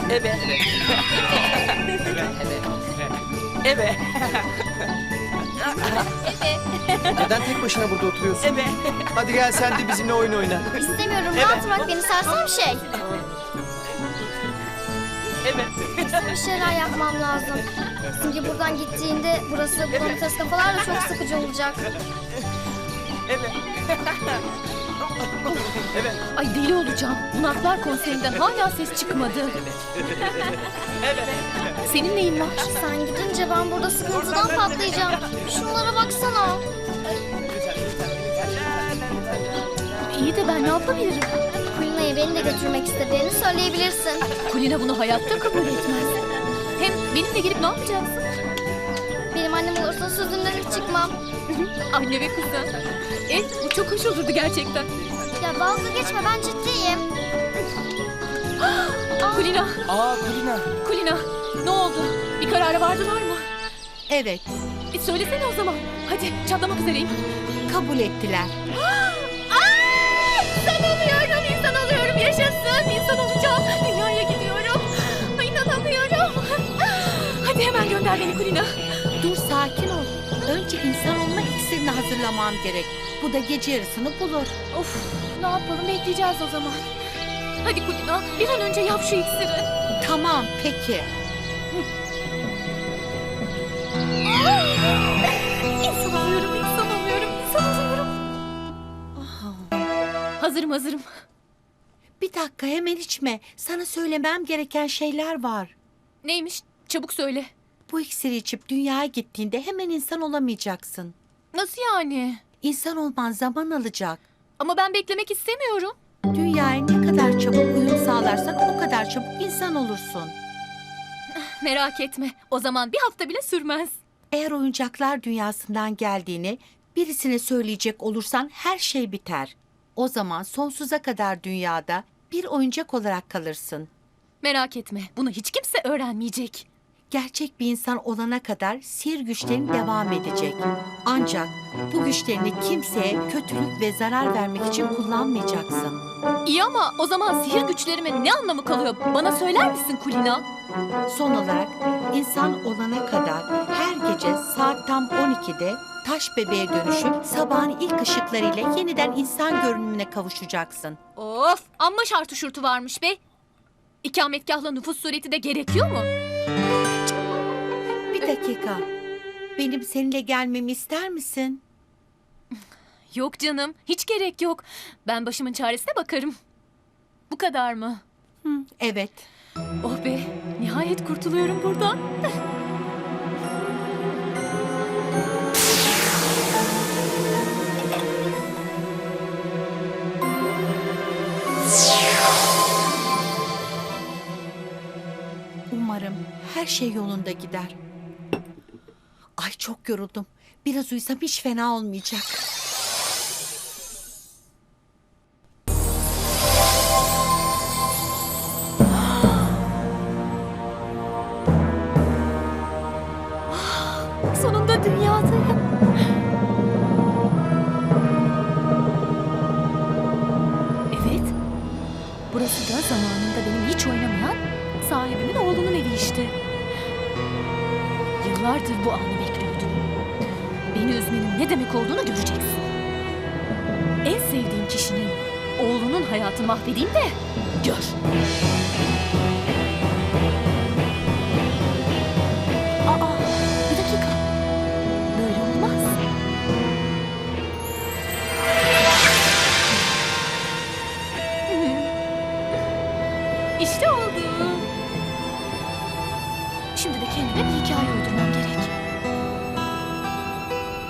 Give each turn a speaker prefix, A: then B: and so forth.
A: Evet. Evet.
B: Neden tek başına burada oturuyorsun?
A: Evet.
B: Hadi gel sen de bizimle oyun oyna.
C: İstemiyorum. Rahat bırak beni sersem şey.
A: Evet.
C: Bir şeyler yapmam lazım. Çünkü buradan gittiğinde burası bonifaz kafalar da çok sıkıcı olacak.
A: Evet. Evet.
D: Ay deli olacağım. Bunaklar konserinden hala ses çıkmadı.
A: Evet.
D: Senin neyin var?
C: Sen gidince ben burada sıkıntıdan patlayacağım. Şunlara baksana.
D: İyi de ben ne yapabilirim?
C: Kulina'ya beni de götürmek istediğini söyleyebilirsin.
D: Kulina bunu hayatta kabul etmez. Hem benimle gelip ne yapacaksın?
C: Benim annem olursa sözünden hiç çıkmam.
D: Anne ve kızı. Bu çok hoş olurdu gerçekten.
C: Ya dalga geçme, ben ciddiyim.
D: Kulina,
B: Kulina.
D: Kulina. Ne oldu? Bir karara vardılar mı?
E: Evet,
D: Söylesene o zaman. Hadi çatlamak üzereyim.
E: kabul ettiler.
D: İnsan oluyorum, yaşasın. İnsan olacağım. Dünyaya gidiyorum. Ay, İnanamıyorum. Hadi hemen gönder beni Kulina.
E: Dur, sakin ol. Önce insan olma iksirini hazırlamam gerek. Bu da gece yarısını bulur.
D: Of, ne yapalım, bekleyeceğiz o zaman. Hadi Kulina, bir an önce yap şu iksiri.
E: Tamam, peki.
D: İnsan oluyorum, insan oluyorum, insan oluyorum. Hazırım.
E: Bir dakika, hemen içme. Sana söylemem gereken şeyler var.
D: Neymiş? Çabuk söyle.
E: Bu iksiri içip dünyaya gittiğinde hemen insan olamayacaksın.
D: Nasıl yani?
E: İnsan olman zaman alacak.
D: Ama ben beklemek istemiyorum.
E: Dünyaya ne kadar çabuk uyum sağlarsan o kadar çabuk insan olursun.
D: Merak etme. O zaman bir hafta bile sürmez.
E: Eğer oyuncaklar dünyasından geldiğini birisine söyleyecek olursan her şey biter. O zaman sonsuza kadar dünyada bir oyuncak olarak kalırsın.
D: Merak etme. Bunu hiç kimse öğrenmeyecek.
E: Gerçek bir insan olana kadar sihir güçlerin devam edecek. Ancak bu güçlerini kimseye kötülük ve zarar vermek için kullanmayacaksın.
D: İyi ama o zaman sihir güçlerime ne anlamı kalıyor? Bana söyler misin Kulina?
E: Son olarak insan olana kadar her gece saat tam 12'de taş bebeğe dönüşüp sabahın ilk ışıklarıyla yeniden insan görünümüne kavuşacaksın.
D: Of! Amma şartı şurtu varmış be. İkametgahla nüfus sureti de gerekiyor mu?
E: Bir dakika. Benim seninle gelmemi ister misin?
D: Yok canım. Hiç gerek yok. Ben başımın çaresine bakarım. Bu kadar mı?
E: Evet.
D: Oh be! Nihayet kurtuluyorum buradan.
E: Umarım her şey yolunda gider. Ay, çok yoruldum. Biraz uyusam hiç fena olmayacak.
D: Sonunda dünyadayım. Evet. Burası da zamanında benim hiç oynamayan sahibimin oğlunun evi işte. Yıllardır bu anı bekliyordum. Beni üzmenin ne demek olduğunu göreceksin. En sevdiğim kişinin oğlunun hayatını mahvedeyim de gör. Aa, bir dakika. Böyle olmaz. İşte oldu. Şimdi de kendime bir hikaye uydurmam